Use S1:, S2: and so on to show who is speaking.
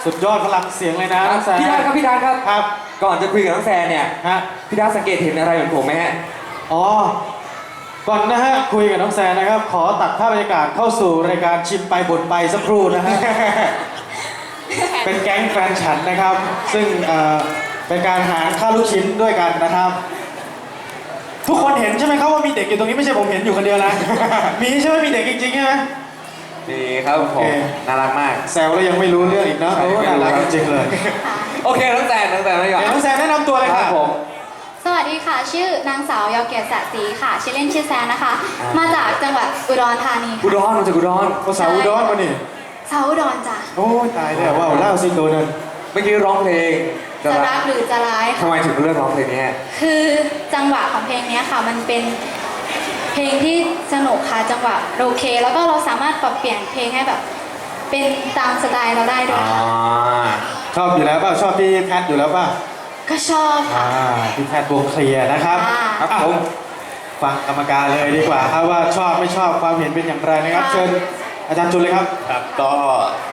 S1: สุดยอดพลังเสียงเลยนะน้องแซน
S2: พี่ดานครับพี่ดานครับ
S1: ครับ
S2: ก่อนจะคุยกับน้องแซนเนี่ย
S1: ฮะ
S2: พี่ดานสังเกตเห็นอะไรเหมือนผมไหมฮะ
S1: อ๋อ ก่อนนะฮะคุยกับน้องแซนนะครับ ขอตัดภาพบรรยากาศเข้าสู่รายการชิมไปบ่นไปสักครู่นะฮะ เป็นแก๊งแฟนฉันนะครับ ซึ่งเป็นการหารข้าวลูกชิ้นด้วยกันนะครับ ทุกคนเห็นใช่ไหมครับว่ามีเด็กอยู่ตรงนี้ไม่ใช่ผมเห็นอยู่คนเดียวนะ มีใช่ไหมมีเด็กจริงๆใช่ไหม
S2: ดีครับผ
S1: โอ
S2: ม
S1: เค
S2: น่ารักมาก
S1: แซวแล้วยังไม่รู้เรื่องอีกเนอะ
S2: ใช่
S1: โอ้
S2: ไม่
S1: น่า
S2: รู้
S1: รัก
S2: ครับ
S1: จริงๆเลย
S2: โอเคน้องแซนไม่ก่อน
S1: เดี๋ยวน้องแซนแนะนำตัวเลย
S2: ค
S1: ค่ะ
S2: รับผม
S3: สวัสดีค่ะ ชื่อนางสาวยอเกียรติสะศรีค่ะ ชื่อเล่นชื่อแซนนะคะ มาจากจังหวัดอุดรธานี
S2: อุดรมาจากอุดร
S1: ภาษาอุดรมานี่
S3: สาวอุดรจ้ะ
S1: โอ้ยตายแล้วว้าวเล่าสิโดนน
S2: เมื่อกี้ร้องเพลง
S3: จะรักหรือจะร้าย
S2: ทำ
S3: ค่ะ
S2: ไมถึงเลือกร้องเพลงนี้ฮะ
S3: คือจังหวะของเพลงเนี้ยค่ะ มันเป็นเพลงที่สนุกค่ะจังหวะโอเค แล้วก็เราสามารถปรับเปลี่ยนเพลงให้แบบ เป็นตามสไตล์เราได้ด้วยค่ะ
S1: ชอบอยู่แล้วป่ะชอบพี่แพทอยู่แล้วป่ะ
S3: ก็ชอบค่ะ
S1: พี่แพทวงเคลียร์นะครับ
S3: ค่ะ
S1: ครับผมฟังกรรมการเลยดีกว่าครับว่าชอบไม่ชอบความเห็นเป็นอย่างไรนะครับ
S3: ค่ะ
S1: เชิญอาจารย์จุลเลยครับ
S4: ครับก็